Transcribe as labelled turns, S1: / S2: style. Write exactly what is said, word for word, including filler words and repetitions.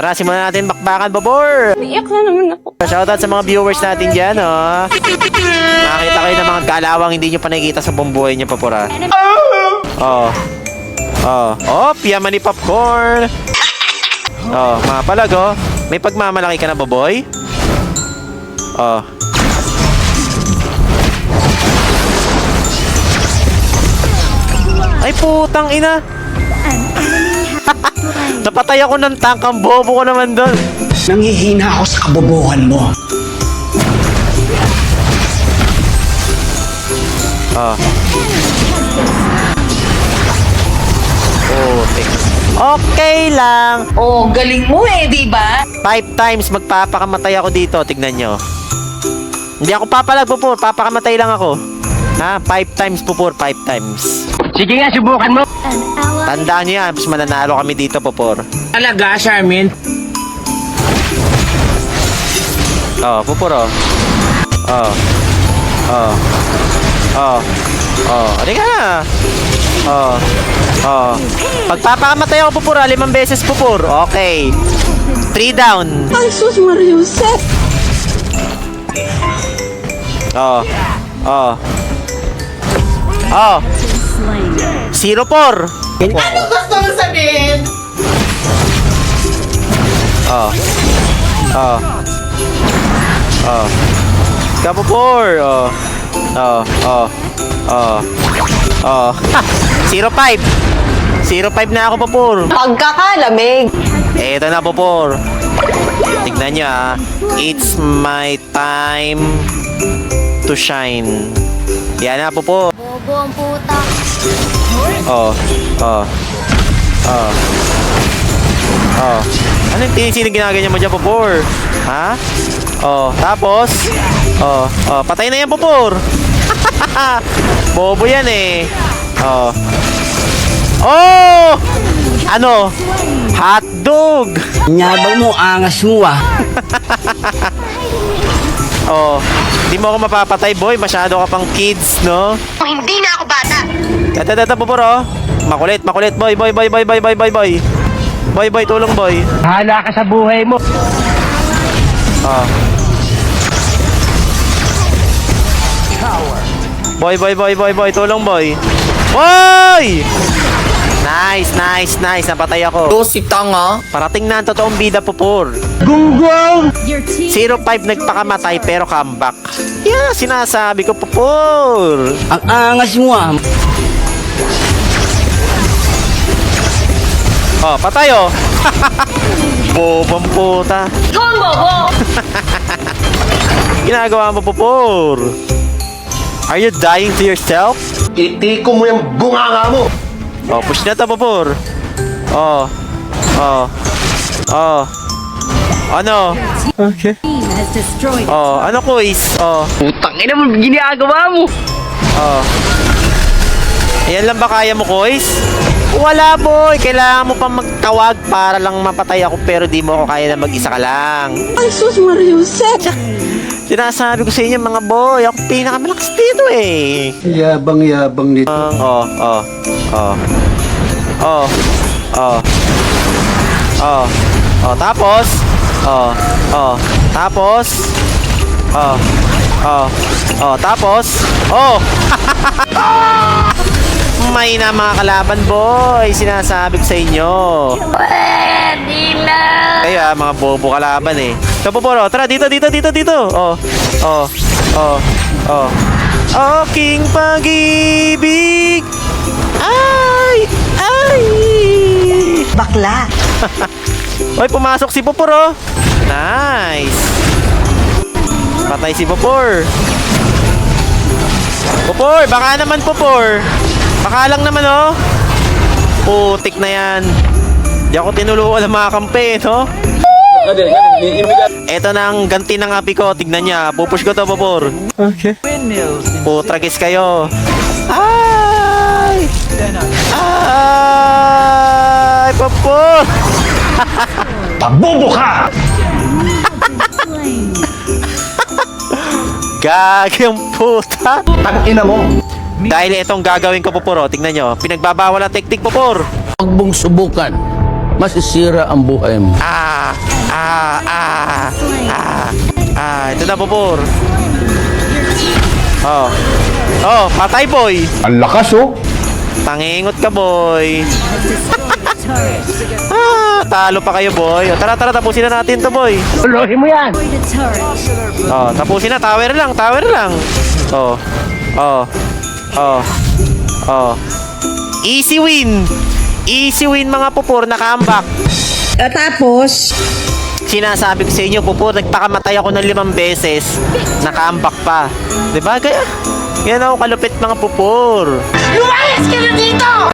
S1: Tara, simulan natin bakbakan, Popor.
S2: Iyak na naman ako.
S1: Shoutout sa mga viewers natin dyan, oh. Nakakita kayo ng mga kalawang hindi nyo pa nakikita sa buong buhay nyo, Popor, ha? Oh. Oh. Oh, piyama ni Popcorn. Oh, mga palag, oh. May pagmamalaki ka na, Boboy? Oh. Ay, putang ina. Napatay ako ng tank. Ang bobo ko naman doon.
S3: Nangihina ako sa kabobohan mo.
S1: Oh. Putik. Okay lang.
S2: Oh, galing mo eh, di ba?
S1: Five times magpapakamatay ako dito. Tignan nyo. Hindi ako papalag, Pupur. Papakamatay lang ako. Ha? Five times, Pupur. Five times.
S3: Sige nga, subukan mo.
S1: Tandaan nyo yan. Mas mananalo kami dito, Pupur.
S3: Talaga, Charmin?
S1: Oh, Pupur, oh. Oh. Oh. Oh. Oh. Ano ka na? Oh. Oh. Pagpapakamatay ako, Pupur, ah. Limang beses, Pupur. Okay. Three down.
S2: Ay, sus, Mariusep.
S1: Oh. Oh. Oh. Zero four.
S2: Ano gusto mo sabihin?
S1: Oh. Oh. Oh. Kapo four. Oh. Oh. Oh. Oh. Oh. Ha! Zero five. Zero five na ako, Popor.
S2: Pagkakalamig.
S1: Eto na, Popor. Tignan nyo, ah. It's my time to shine. Yan na, Popor.
S4: Bobo ang puta.
S1: Oh. Oh. Oh. Oh. Ano yung tinisin na ginaganyan mo dyan, Popor? Ha? Oh. Tapos? Oh. Oh. Patay na yan, Popor. Bobo yan eh. Oh. Oh! Ano? Hotdog!
S3: Nyabang mo, angas mo ah.
S1: Oh. Hindi mo ako mapapatay, boy. Masyado ka pang kids, no?
S4: Hindi na ako bata.
S1: Tata, tata, Popor, oh. Makulit, makulit, boy, boy, boy, boy, boy, boy, boy, boy. Boy, boy, tulong, boy.
S3: Hala ka sa buhay mo.
S1: Oh. Boy, boy, boy, boy, boy, tulong, boy. Boy! Nice, nice, nice. Napatay ako.
S5: To si tanga.
S1: Parating na ang totoong bida, Popor.
S3: Gunggong!
S1: zero five nagpakamatay pero comeback. Yeah, sinasabi ko, Popor.
S3: Ang angas mo ah.
S1: Oh, patay, oh. Bobang puta.
S2: Combo ko!
S1: Ginagawa mo, Popor. Are you dying to yourself?
S6: Itiko mo yung bunganga mo!
S1: Oh, push na to, Popor. Oh. Oh. Oh. Ano? Okay. Oh, ano, quiz? Oh.
S3: Putang ina mo, ginagawa mo.
S1: Oh. Ayan lang ba kaya mo, quiz? Wala, boy. Kailangan mo pa magtawag para lang mapatay ako pero di mo ako kaya na mag-isa ka lang.
S2: Ay, sus, Mariusep.
S1: Sinasabi ko sa inyo, mga boy, ako pinakamalakas dito eh.
S6: Yabang-yabang nito.
S1: Uh, oh, oh, oh. Oh, oh. Oh, oh, tapos. Oh, oh, tapos. Oh, oh, oh, tapos. Oh! May na mga kalaban, boy. Sinasabi ko sa inyo.
S4: Pwede na.
S1: Kaya mga bobo kalaban eh. So, Poporo, tara dito, dito, dito, dito. Oh, oh, oh, oh. Aking pag-ibig. Ay, ay.
S2: Bakla.
S1: Oy, pumasok si Poporo. Nice. Patay si Popor. Popor, baka naman, Popor. Baka lang naman, oh. Putik na yan. Di ako tinulungan ng mga kampe, no? Eto na ang ganti ng api ko. Tignan niya. Pupush ko to, Popor. Okay. Putragis kayo. Ay! Ay! Popor!
S6: Pabobo ka!
S1: Gagang puta.
S6: Tangina mo!
S1: Dahil itong gagawin ko, Popor, oh, tingnan nyo. Pinagbabawal ang teknik, Popor.
S3: Huwag mong subukan. masisira ang buhay mo.
S1: Ah, ah, ah, ah, ah. Ito na, pupur. Oh. Oh, patay, boy.
S6: Ang lakas oh.
S1: Tangingot ka, boy. Ah, talo pa kayo, boy. O, tara, tara, tapusin na natin to, boy.
S3: Tulohin mo yan.
S1: Oh, tapusin na. Tower lang, tower lang. Oh, oh, oh, oh. Easy win. Easy win, mga pupur. Naka-comeback.
S2: At tapos,
S1: Sinasabi ko sa inyo, pupur, nagpakamatay ako ng limang beses. Naka-comeback pa. Diba? Kaya, yan ako kalupit, mga pupur.
S4: Lumayas ka na dito!